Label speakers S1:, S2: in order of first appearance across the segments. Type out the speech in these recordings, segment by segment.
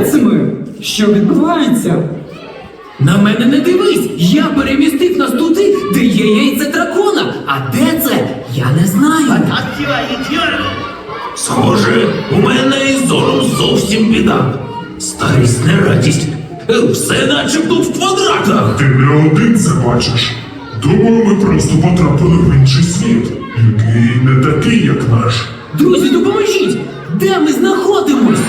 S1: це ми? Що відбувається?
S2: На мене не дивись! Я перемістив нас туди, де є яйце дракона. А де це? Я не знаю.
S3: Схоже, у мене із зором зовсім біда. Старість не радість. Все начебто в квадратах.
S4: Ти не один це бачиш. Думаю, ми просто потрапили в інший світ, який не такий, як наш.
S2: Друзі, допоможіть! Де ми знаходимось?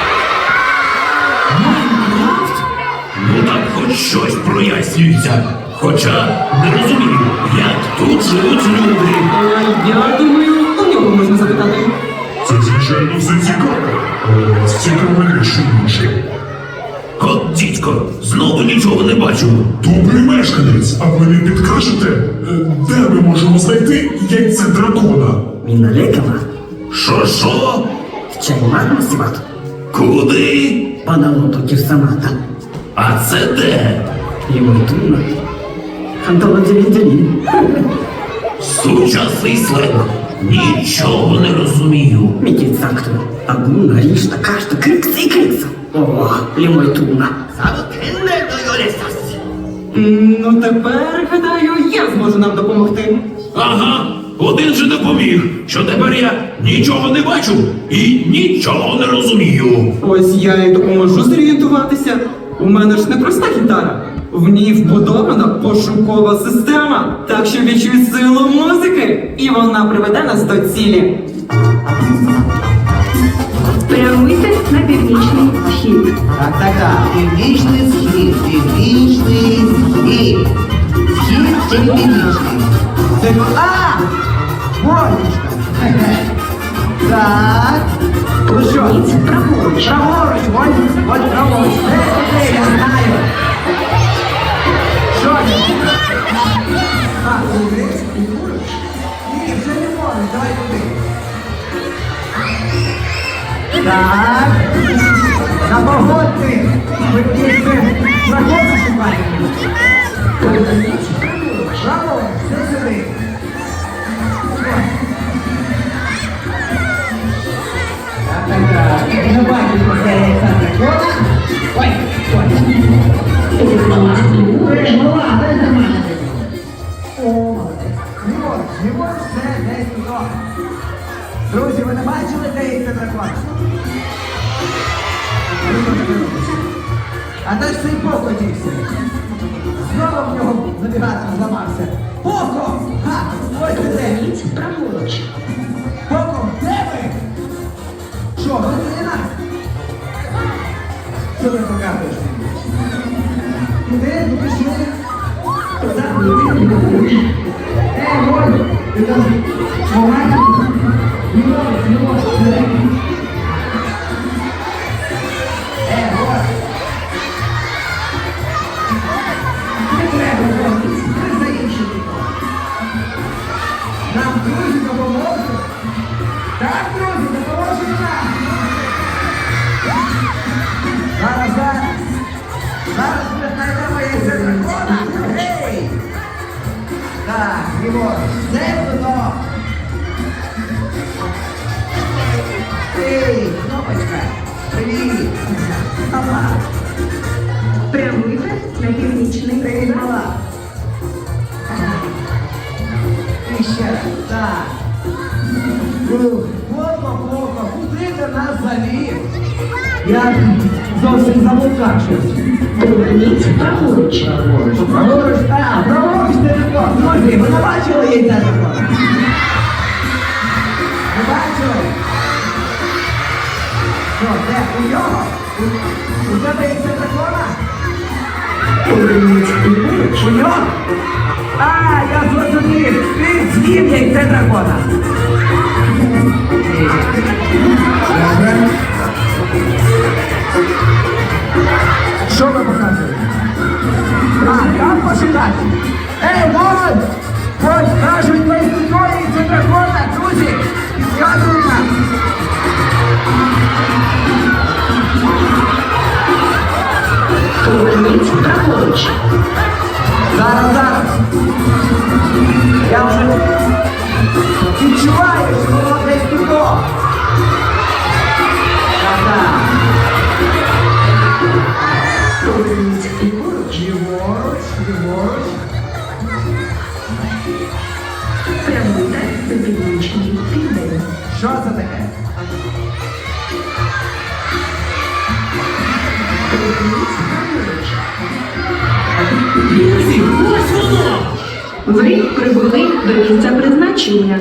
S2: Майнкрафт?
S3: Ну так хоч щось прояснюється. Хоча не розумію, як тут живуть люди.
S1: Я думаю, у нього можна запитати.
S4: Це, звичайно, все цікаво, але нас цікавіше інше.
S3: От, дідько, знову нічого не бачу.
S4: Добрий мешканець, а ви не підкажете, де ми можемо знайти яйце дракона?
S5: Міналетова,
S3: Що?
S5: чаймат насіват,
S3: Куди?
S5: падалото кірсамата,
S3: А це де?
S5: лімойтуна, ханталодзелі-дзелі.
S3: Сучасний сленг. Нічого не розумію.
S5: Мікіцакту, агуна, рішта, кашта, крикса і крикса. О, лімойтуна.
S1: Ну тепер, гадаю, я зможу нам допомогти.
S3: Ага, один же допоміг, що тепер я нічого не бачу і нічого не розумію.
S1: Ось я й допоможу зорієнтуватися. У мене ж не проста гітара. В ній вбудована пошукова система, так що відчуй силу музики, і вона приведе нас до цілі.
S6: Прямуйте на північний схід.
S7: Так. Північний схід, північний схід. Схід чи північний? Це... Бронечка. Так. Ну що?
S6: Поверніться праворуч.
S7: Праворуч, ось праворуч. Де, я знаю. Що це? Туди? Ні, вже не можеш, давай туди. Так. На погодки. Ви тільки проходи шукаєте.
S6: Поверніться праворуч.
S7: Праворуч, все сюди. Так. Я не бачу, що це яйця дракона. Ой.
S6: Поверніться ліворуч.
S7: Голова, дай нормально. О, ліворуч, все, десь туди. Друзі, ви не бачили, де яйця дракона? А де ж цей Поко дівся? Знову в нього навігатор зламався. Поко! Ха! Ось ти де!
S6: Поверніться праворуч.
S7: Поко, де ви? Що, ви не нас? Що ти показуєш? Куди? Ну пішли.
S6: Поверніться ліворуч.
S7: Воль! Ти там помагай? Ліворуч, Воль! Не треба, Воль! Ти за іншим віком. Нам друзі допоможуть? Так, друзі, допоможуть нам! Зараз ми знайдемо яйце дракона! Гей! Так, Єгор, все туди! Ей, кнопочка! Привіт! Мала!
S6: Прямуйте на північний
S7: Привіт,
S6: схід.
S7: мала! І ще раз, так! Плохо, куди ти нас завів? Я зовсім заблукав щось.
S6: Поверніться праворуч.
S7: Праворуч, праворуч телефон. Друзі, ви не бачили яйця дракона? Не бачили? Що, де? У нього? У тебе яйця дракона?
S6: Поверніться ліворуч.
S7: У нього? Я зрозумів. Ти з'їв яйце дракона. Добре. Що ви показуєте? Там пошукати. Вон! Вон, кажуть, на історії це дракона, друзі! Підказують нам!
S6: Поверніться праворуч.
S7: Зараз! Я вже відчуваю, що воно десь тут. Так. Що це таке?
S2: Друзі, ось воно!
S6: Ви прибули до місця призначення.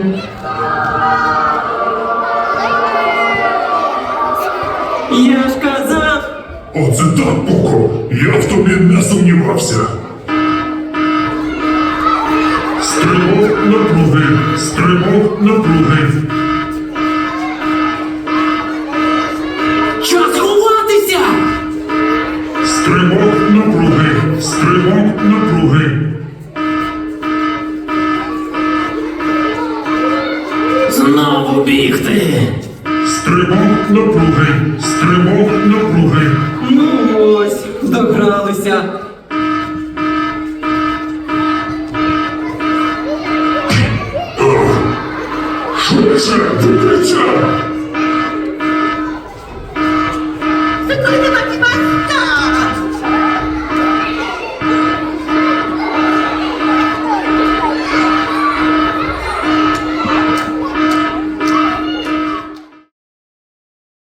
S1: Я ж казав!
S4: Оце так, Поко! Я в тобі не сумнівався. Стрибок напруги, стрибок напруги.
S2: Час ховатися!
S4: Стрибок напруги, стрибок напруги.
S2: Знову бігти!
S4: Стрибок напруги, стрибок напруги.
S1: Ну ось, догралися.
S4: Швидше, викричай!